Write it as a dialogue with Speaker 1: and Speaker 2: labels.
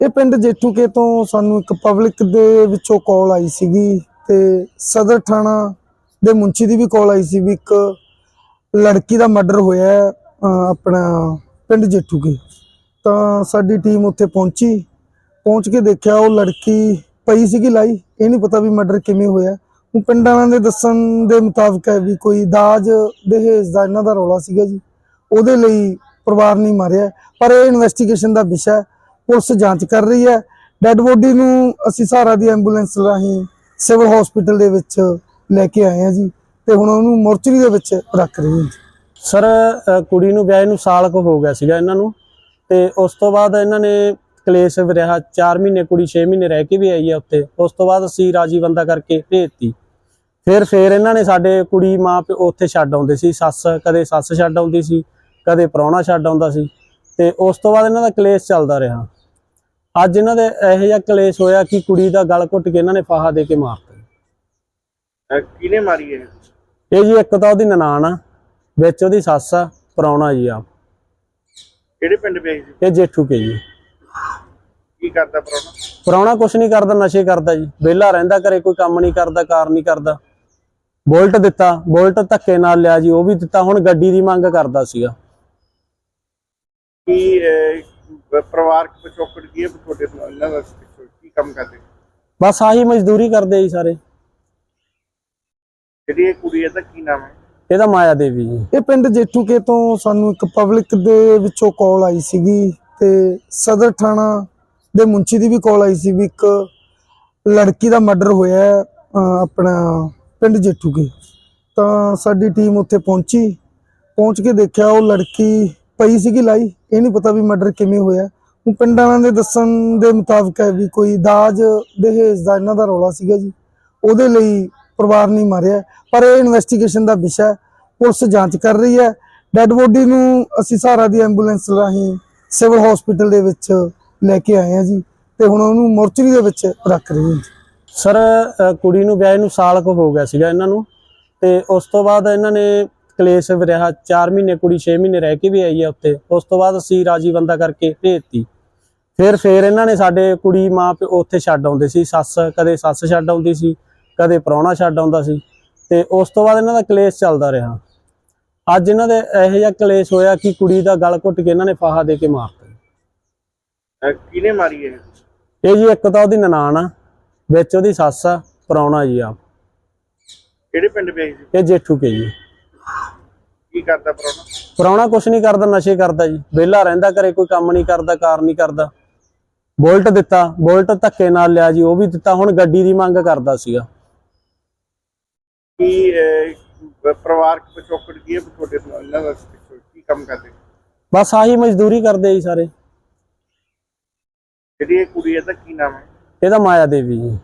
Speaker 1: ਇਹ ਪਿੰਡ ਜੇਠੂਕੇ ਤੋਂ ਸਾਨੂੰ ਇੱਕ ਪਬਲਿਕ ਦੇ ਵਿੱਚੋਂ ਕਾਲ ਆਈ ਸੀਗੀ ਤੇ ਸਦਰ ਥਾਣਾ ਦੇ ਮੁੰਚੀ ਦੀ ਵੀ ਕਾਲ ਆਈ ਸੀ ਵੀ ਇੱਕ ਲੜਕੀ ਦਾ ਮਰਡਰ ਹੋਇਆ ਹੈ ਆਪਣਾ ਪਿੰਡ ਜੇਠੂਕੇ। ਤਾਂ ਸਾਡੀ ਟੀਮ ਉੱਥੇ ਪਹੁੰਚ ਕੇ ਦੇਖਿਆ ਉਹ ਲੜਕੀ ਪਈ ਸੀਗੀ ਲਾਈ। ਇਹ ਨਹੀਂ ਪਤਾ ਵੀ ਮਰਡਰ ਕਿਵੇਂ ਹੋਇਆ। ਉਹ ਪਿੰਡ ਵਾਲਿਆਂ ਦੇ ਦੱਸਣ ਦੇ ਮੁਤਾਬਕ ਹੈ ਵੀ ਕੋਈ ਦਾਜ ਦਹੇਜ ਦਾ ਇਹਨਾਂ ਦਾ ਰੌਲਾ ਸੀਗਾ ਜੀ, ਉਹਦੇ ਲਈ ਪਰਿਵਾਰ ਨਹੀਂ ਮਾਰਿਆ। ਪਰ ਇਹ ਇਨਵੈਸਟੀਗੇਸ਼ਨ ਦਾ ਵਿਸ਼ਾ ਹੈ, ਪੁਲਿਸ ਜਾਂਚ ਕਰ ਰਹੀ ਹੈ। ਡੈੱਡ ਬੋਡੀ ਨੂੰ ਅਸੀਂ ਸਹਾਰਾ ਦੀ ਐਂਬੂਲੈਂਸ ਰਾਹੀਂ ਸਿਵਲ ਹਸਪੀਟਲ ਦੇ ਵਿੱਚ ਲੈ ਕੇ ਆਏ ਹਾਂ ਜੀ ਤੇ ਹੁਣ ਉਹਨੂੰ ਮੋਰਚਰੀ ਦੇ ਵਿੱਚ ਰੱਖ ਰਹੇ ਹਾਂ।
Speaker 2: ਸਰ ਕੁੜੀ ਨੂੰ ਵਿਆਹ ਨੂੰ ਸਾਲ ਕੁ ਹੋ ਗਿਆ ਸੀਗਾ ਇਹਨਾਂ ਨੂੰ, ਤੇ ਉਸ ਤੋਂ ਬਾਅਦ ਇਹਨਾਂ ਨੇ ਕਲੇਸ਼ ਰਿਹਾ 4 ਮਹੀਨੇ, ਕੁੜੀ 6 ਮਹੀਨੇ ਰਹਿ ਕੇ ਵੀ ਆਈ ਹੈ ਉੱਥੇ। ਉਸ ਤੋਂ ਬਾਅਦ ਅਸੀਂ ਰਾਜੀ ਬੰਦਾ ਕਰਕੇ ਭੇਜਤੀ। ਫਿਰ ਇਹਨਾਂ ਨੇ ਸਾਡੇ ਕੁੜੀ ਮਾਂ ਪਿਓ ਉੱਥੇ ਛੱਡ ਆਉਂਦੇ ਸੀ, ਕਦੇ ਸੱਸ ਛੱਡ ਆਉਂਦੀ ਸੀ, ਕਦੇ ਪ੍ਰਾਹੁਣਾ ਛੱਡ ਆਉਂਦਾ ਸੀ, ਤੇ ਉਸ ਤੋਂ ਬਾਅਦ ਇਹਨਾਂ ਦਾ ਕਲੇਸ਼ ਚੱਲਦਾ ਰਿਹਾ। ਅੱਜ ਇਹਨਾਂ ਦੇ ਇਹੋ ਜਿਹਾ ਕਲੇਸ਼ ਹੋਇਆ ਕਿ ਕੁੜੀ ਦਾ ਗਲ ਘੁੱਟ ਕੇ ਇਹਨਾਂ ਨੇ ਫਾਹਾ ਦੇ ਕੇ ਮਾਰਤਾ।
Speaker 3: ਕਿਹਨੇ ਮਾਰੀ ਹੈ
Speaker 2: ਇਹ ਜੀ? ਇੱਕ ਤਾਂ ਉਹਦੀ ਨਨਾਣ ਆ, ਵਿੱਚ ਉਹਦੀ ਸੱਸ ਆ, ਪ੍ਰਾਹੁਣਾ ਜੀ ਆਪ।
Speaker 3: ਕਿਹੜੇ ਪਿੰਡ ਵਿਆਹੀ ਸੀ?
Speaker 2: ਇਹ ਜੇਠੂਕੇ ਜੀ।
Speaker 3: ਕੀ ਕਰਦਾ ਪ੍ਰਾਹੁਣਾ?
Speaker 2: ਪ੍ਰਾਹੁਣਾ ਕੁਛ ਨਹੀਂ ਕਰਦਾ, ਨਸ਼ੇ ਕਰਦਾ ਜੀ, ਵਿਹਲਾ ਰਹਿੰਦਾ, ਘਰੇ ਕੋਈ ਕੰਮ ਨਹੀਂ ਕਰਦਾ, ਕਾਰ ਨਹੀਂ ਕਰਦਾ। ਬੁਲਟ ਦਿੱਤਾ, ਬੁਲਟ ਧੱਕੇ ਨਾਲ ਲਿਆ ਜੀ, ਉਹ ਵੀ ਦਿੱਤਾ। ਹੁਣ ਗੱਡੀ ਦੀ ਮੰਗ ਕਰਦਾ ਸੀਗਾ।
Speaker 3: ਕੀ ਪਰਿਵਾਰਕ ਪਿਛੋਕੜ ਕੀ ਹੈ ਤੁਹਾਡੇ ਇਹਨਾਂ ਦਾ? ਕੀ ਕੰਮ ਕਰਦੇ?
Speaker 2: ਬਸ ਆਹੀ ਮਜ਼ਦੂਰੀ ਕਰਦੇ ਜੀ ਸਾਰੇ।
Speaker 3: ਜਿਹੜੀ ਇਹ ਕੁੜੀ ਹੈ ਦਾ ਕੀ ਨਾਮ ਹੈ?
Speaker 2: ਇਹਦਾ ਮਾਇਆ ਦੇਵੀ ਜੀ।
Speaker 1: ਇਹ ਪਿੰਡ ਜੇਠੂਕੇ ਤੋਂ ਸਾਨੂੰ ਇੱਕ ਪਬਲਿਕ ਦੇ ਵਿੱਚੋਂ ਕਾਲ ਆਈ ਸੀਗੀ ਤੇ ਸਦਰ ਥਾਣਾ ਦੇ ਮੁੰਚੀ ਦੀ ਵੀ ਕਾਲ ਆਈ ਸੀ ਵੀ ਇੱਕ ਲੜਕੀ ਦਾ ਮਰਡਰ ਹੋਇਆ ਹੈ ਆਪਣਾ ਪਿੰਡ ਜੇਠੂਕੇ। ਤਾਂ ਸਾਡੀ ਟੀਮ ਉੱਥੇ ਪਹੁੰਚ ਕੇ ਦੇਖਿਆ ਉਹ ਲੜਕੀ ਪਈ ਸੀਗੀ ਲਾਈ। ਇਹ ਨਹੀਂ ਪਤਾ ਵੀ ਮਰਡਰ ਕਿਵੇਂ ਹੋਇਆ। ਉਹ ਪਿੰਡ ਵਾਲਿਆਂ ਦੇ ਦੱਸਣ ਦੇ ਮੁਤਾਬਕ ਹੈ ਵੀ ਕੋਈ ਦਾਜ ਦਹੇਜ ਦਾ ਇਹਨਾਂ ਦਾ ਰੌਲਾ ਸੀਗਾ ਜੀ, ਉਹਦੇ ਲਈ ਪਰਿਵਾਰ ਨਹੀਂ ਮਾਰਿਆ। ਪਰ ਇਹ ਇਨਵੈਸਟੀਗੇਸ਼ਨ ਦਾ ਵਿਸ਼ਾ ਹੈ, ਪੁਲਿਸ ਜਾਂਚ ਕਰ ਰਹੀ ਹੈ। ਡੈੱਡ ਬੋਡੀ ਨੂੰ ਅਸੀਂ ਸਹਾਰਾ ਦੀ ਐਂਬੂਲੈਂਸ ਰਾਹੀਂ ਸਿਵਲ ਹਸਪੀਟਲ ਦੇ ਵਿੱਚ ਲੈ ਕੇ ਆਏ ਹਾਂ ਜੀ ਤੇ ਹੁਣ ਉਹਨੂੰ ਮੋਰਚਰੀ ਦੇ ਵਿੱਚ ਰੱਖ ਰਹੇ ਹਾਂ।
Speaker 2: ਸਰ ਕੁੜੀ ਨੂੰ ਵਿਆਹ ਨੂੰ ਸਾਲ ਕੁ ਹੋ ਗਿਆ ਸੀਗਾ ਇਹਨਾਂ ਨੂੰ, ਤੇ ਉਸ ਤੋਂ ਬਾਅਦ ਇਹਨਾਂ ਨੇ ਕਲੇਸ਼ ਰਿਹਾ 4 ਮਹੀਨੇ, ਕੁੜੀ 6 ਮਹੀਨੇ ਰਹਿ ਕੇ ਵੀ ਆਈ ਹੈ ਉੱਥੇ। ਉਸ ਤੋਂ ਬਾਅਦ ਅਸੀਂ ਰਾਜੀ ਬੰਦਾ ਕਰਕੇ ਭੇਜਤੀ। ਫਿਰ ਇਹਨਾਂ ਨੇ ਸਾਡੇ ਕੁੜੀ ਮਾਂ ਪਿਓ ਉੱਥੇ ਛੱਡ ਆਉਂਦੇ ਸੀ, ਕਦੇ ਸੱਸ ਛੱਡ ਆਉਂਦੀ ਸੀ, ਕਦੇ ਪ੍ਰਾਹੁਣਾ ਛੱਡ ਆਉਂਦਾ ਸੀ, ਤੇ ਉਸ ਤੋਂ ਬਾਅਦ ਇਹਨਾਂ ਦਾ ਕਲੇਸ਼ ਚੱਲਦਾ ਰਿਹਾ। ਅੱਜ ਇਹਨਾਂ ਦੇ ਇਹੋ ਜਿਹਾ ਕਲੇਸ਼ ਹੋਇਆ ਕਿ ਕੁੜੀ ਦਾ ਗਲ ਘੁੱਟ ਕੇ ਇਹਨਾਂ ਨੇ ਫਾਹਾ ਦੇ ਕੇ ਮਾਰਤਾ।
Speaker 3: ਕਿਹਨੇ ਮਾਰੀ ਹੈ
Speaker 2: ਇਹ ਜੀ? ਇੱਕ ਤਾਂ ਉਹਦੀ ਨਨਾਣ ਆ, ਵਿੱਚ ਉਹਦੀ ਸੱਸ ਆ, ਪ੍ਰਾਹੁਣਾ ਜੀ ਆਪ।
Speaker 3: ਕਿਹੜੇ ਪਿੰਡ ਵਿਆਹੀ ਸੀ?
Speaker 2: ਇਹ ਜੇਠੂਕੇ ਜੀ।
Speaker 3: ਕੀ ਕਰਦਾ ਪ੍ਰਾਹੁਣਾ?
Speaker 2: ਪ੍ਰਾਹੁਣਾ ਕੁਛ ਨਹੀਂ ਕਰਦਾ, ਨਸ਼ੇ ਕਰਦਾ ਜੀ, ਵਿਹਲਾ ਰਹਿੰਦਾ, ਘਰੇ ਕੋਈ ਕੰਮ ਨਹੀਂ ਕਰਦਾ, ਕਾਰ ਨਹੀਂ ਕਰਦਾ। ਬੁਲਟ ਦਿੱਤਾ, ਬੁਲਟ ਧੱਕੇ ਨਾਲ ਲਿਆ ਜੀ, ਉਹ ਵੀ ਦਿੱਤਾ। ਹੁਣ ਗੱਡੀ ਦੀ ਮੰਗ ਕਰਦਾ ਸੀਗਾ।
Speaker 3: ਕੀ ਪਰਿਵਾਰਕ ਪਿਛੋਕੜ ਕੀ ਹੈ ਤੁਹਾਡੇ ਇਹਨਾਂ ਦਾ? ਕੀ ਕੰਮ ਕਰਦੇ?
Speaker 2: ਬਸ ਆਹੀ ਮਜ਼ਦੂਰੀ ਕਰਦੇ ਜੀ ਸਾਰੇ।
Speaker 3: ਜਿਹੜੀ ਇਹ ਕੁੜੀ ਹੈ ਦਾ ਕੀ ਨਾਮ ਹੈ?
Speaker 2: ਇਹਦਾ ਮਾਇਆ ਦੇਵੀ ਜੀ।